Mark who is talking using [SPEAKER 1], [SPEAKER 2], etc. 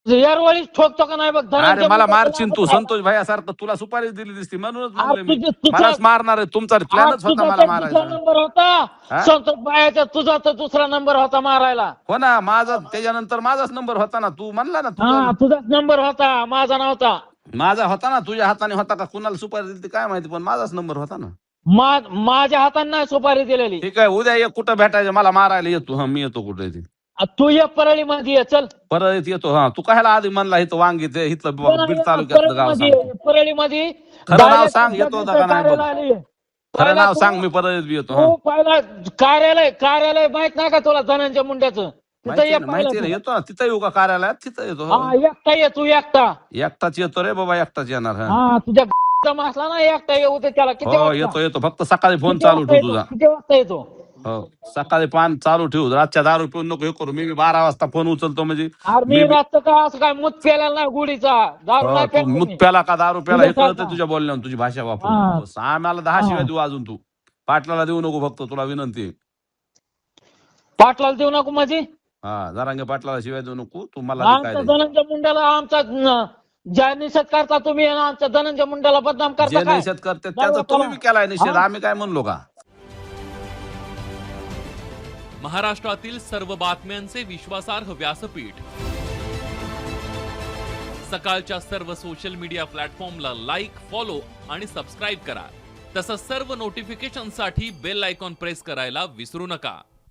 [SPEAKER 1] यारवाळीच ठोकतो का नाही बघ.
[SPEAKER 2] अरे मला मारशील तू, संतोष भाई सारखं तुला सुपारी दिली दिसती म्हणूनच म्हणलं मी मलाच मारणार आहे. तुमचा प्लॅनच होता मला मारायचा.
[SPEAKER 1] नंबर होता संतोष भाईचा, तुझा तर दुसरा नंबर होता मारायला.
[SPEAKER 2] हो ना, माझा त्याच्यानंतर माझाच नंबर होता ना. तू म्हणला ना
[SPEAKER 1] तुझाच नंबर होता, माझा नव्हता.
[SPEAKER 2] माझा होता ना, तुझ्या हाताने होता का कुणाला सुपारी दिली काय माहिती, पण माझाच नंबर होता ना.
[SPEAKER 1] माझ्या हाताने नाही सुपारी दिलेली.
[SPEAKER 2] ठीक आहे, उद्या ये, कुठं भेटायचं मला मारायला येतो. हा मी येतो कुठे ती.
[SPEAKER 1] तू ये परळी मध्ये ये, चल
[SPEAKER 2] परत येतो. हा तू कायला आधी म्हणला इथं वांगी ते इथलं बीड तालुक्यातलं गाव सांग.
[SPEAKER 1] परळी मध्ये
[SPEAKER 2] खरं नाव सांग, येतो का नाही बघ. खरं नाव सांग, मी परत येतो.
[SPEAKER 1] पहिला कार्यालय माहित नाही का तुला धनंजय मुंड्याचं? तिथं ये,
[SPEAKER 2] माहिती नाही, येतो ना तिथं येऊ का कार्यालयात, तिथं येतो.
[SPEAKER 1] एकटा ये तू,
[SPEAKER 2] एकटाच येतो रे बाबा, एकटाच येणार.
[SPEAKER 1] तुझ्या असला ना एकटा येऊ दे त्याला. किती
[SPEAKER 2] येतो फक्त सकाळी फोन चालू ठेव तुझा.
[SPEAKER 1] किती वाजता येतो?
[SPEAKER 2] हो सकाळी पान चालू ठेवू, रातच्या दारू पिऊन नको हे करू. मी 12 वाजता फोन उचलतो म्हणजे.
[SPEAKER 1] मी रातचं काय असं काय मूत प्यायला नाही गुढीचा, दारू नाही प्यायला.
[SPEAKER 2] मूत प्याला का दारू प्याला हे कळतं तुझ्या बोलण्यावर, तुझी भाषा वापरून. आम्हाला 10 शिवाय देऊ अजून. तू पाटलाला देऊ नको, फक्त तुला विनंती.
[SPEAKER 1] पाटलाला देऊ नको माझी.
[SPEAKER 2] जरांगे पाटलाला शिवाय देऊ नको तू. मला
[SPEAKER 1] धनंजय मुंड्याला आमचा ज्या निषेध करता तुम्ही, आमच्या धनंजय मुंड्याला बदनाम करता.
[SPEAKER 2] जे निषेध करते त्याचा तुम्ही बी केलाय निषेध, आम्ही काय म्हणलो का?
[SPEAKER 3] महाराष्ट्रातील सर्व बातम्यांचे विश्वासार्ह व्यासपीठ, सकाळच्या सर्व सोशल मीडिया प्लॅटफॉर्मला लाईक, फॉलो आणि सबस्क्राईब करा. तसंच सर्व नोटिफिकेशनसाठी बेल आयकॉन प्रेस करायला विसरू नका.